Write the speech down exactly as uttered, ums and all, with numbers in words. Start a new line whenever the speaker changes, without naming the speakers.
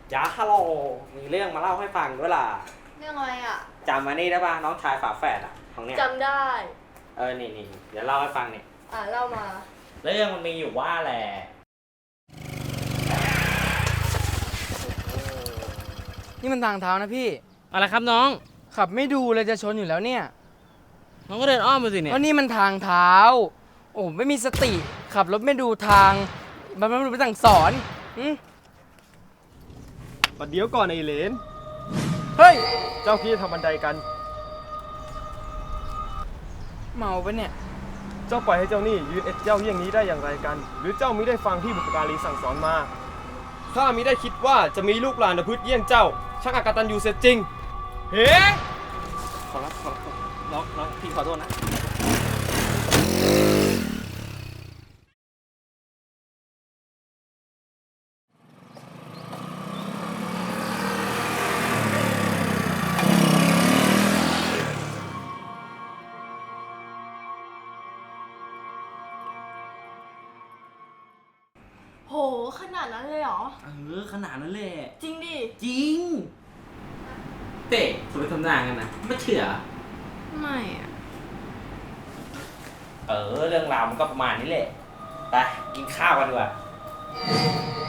ยาฮัลโหลมีเรื่องมาเล่าให้ฟังด้วยล่ะ
เรื่องอะไรอ่ะ
จำมานี่ได้ป่ะน้องชายฝาแฝดอ่ะของเนี้ย
จำได้
เออนี่นี่เดี๋ยวเล่าให้ฟังนี่
อ่าเล่ามา
เรื่องมันมีอยู่ว่าแหละ
นี่มันทางเท้านะพี่
อะไรครับน้อง
ขับไม่ดูเลยจะชนอยู่แล้วเนี่ย
น้องก็เดินอ้อมไปสิเนี่ย
ก็นี่มันทางเท้าโอ้ไม่มีสติขับรถไม่ดูทางมันไม่รู้ไปสั่งสอน
บัดเดี๋ยวก่อนไอ้เหลน
เฮ้ย
เจ้าพี่ทำบันไดกัน
เมาปะเนี่ย
เจ้าปล่อยให้เจ้านี่ยืนเอ็ดเจ้าเยี่ยงนี้ได้อย่างไรกัน หรือเจ้ามิได้ฟังที่บุพการีสั่งสอนมาข้ามิได้คิดว่าจะมีลูกหลานประพฤติเยี่ยงเจ้าช่างอกตัญญูเสียจริงเฮ้
ขอรับขอรับน้องน้องพี่ขอโทษนะ
โหขนาดนั้นเลยเหรอ
เออขนาดนั้นเลย
จริงดิ
จริงเตะสมมติทำหน้ากันนะไม่เชื่อ
ไม่อะ
เออเรื่องราวมันก็ประมาณนี้แหละไปกินข้าวกันดีกว่า